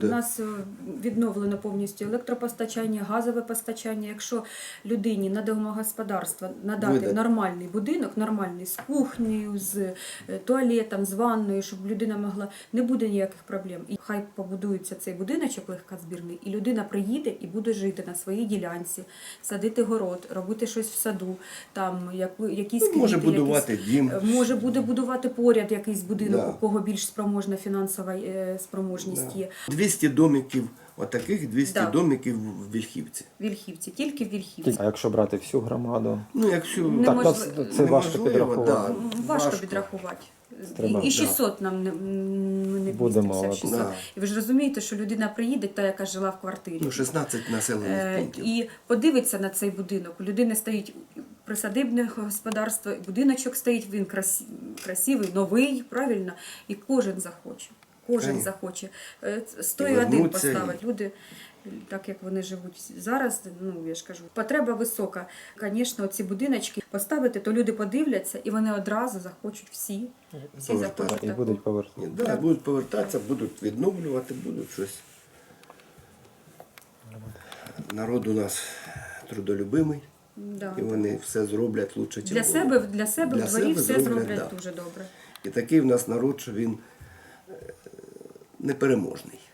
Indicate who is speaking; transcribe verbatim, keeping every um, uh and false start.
Speaker 1: У нас відновлено повністю електропостачання, газове постачання. Якщо людині на домогосподарство надати
Speaker 2: Видати.
Speaker 1: нормальний будинок, нормальний з кухнею, з туалетом, з ванною, щоб людина могла, не буде ніяких проблем. І хай побудується цей будиночок легкозбірний, і людина приїде і буде жити на своїй ділянці, садити город, робити щось в саду, там яку- якісь
Speaker 2: Ну, може
Speaker 1: квіти,
Speaker 2: будувати
Speaker 1: якісь-
Speaker 2: дім.
Speaker 1: Може буде будувати поряд якийсь будинок,
Speaker 2: Да.
Speaker 1: у кого більш спроможна фінансова е, спроможність є.
Speaker 2: двісті домиків, отаких двісті
Speaker 1: Да.
Speaker 2: домиків в Вільхівці.
Speaker 1: В Вільхівці, тільки в Вільхівці.
Speaker 3: А якщо брати всю громаду?
Speaker 2: Ну, якщо
Speaker 1: Не
Speaker 3: Так,
Speaker 1: можливо.
Speaker 3: нас це важко
Speaker 2: неможливо,
Speaker 3: підрахувати.
Speaker 2: да,
Speaker 1: Важко підрахувати.
Speaker 3: Треба,
Speaker 1: І, і шістсот нам не, ми не
Speaker 3: Будемо,
Speaker 1: вмістимося в
Speaker 3: от.
Speaker 1: шістсот.
Speaker 2: Да.
Speaker 1: І ви ж розумієте, що людина приїде, та, яка жила в квартирі.
Speaker 2: Ну, шістнадцять населених
Speaker 1: Е,
Speaker 2: пунктів.
Speaker 1: І подивиться на цей будинок. У людини стоїть присадибне господарство, будиночок стоїть, він красивий, красивий, новий, правильно, і кожен захоче. Кожен
Speaker 2: Конечно.
Speaker 1: захоче. Е, Сто
Speaker 2: І
Speaker 1: і один
Speaker 2: вернуться, і-
Speaker 1: поставить. Люди, так як вони живуть зараз, ну я ж кажу, потреба висока. Звісно, ці будиночки поставити, то люди подивляться і вони одразу захочуть всі. Всі
Speaker 2: Повертати.
Speaker 1: захочуть
Speaker 3: І
Speaker 1: такого.
Speaker 3: будуть повертати.
Speaker 2: Ні, да, будуть повертатися, будуть відновлювати, будуть щось. Народ у нас трудолюбимий,
Speaker 1: Да.
Speaker 2: і вони все зроблять лучше, ніж
Speaker 1: Для себе, для себе
Speaker 2: Для
Speaker 1: в дворі
Speaker 2: себе
Speaker 1: все
Speaker 2: зроблять,
Speaker 1: зроблять
Speaker 2: да.
Speaker 1: дуже добре.
Speaker 2: І такий в нас народ, що він е, непереможний.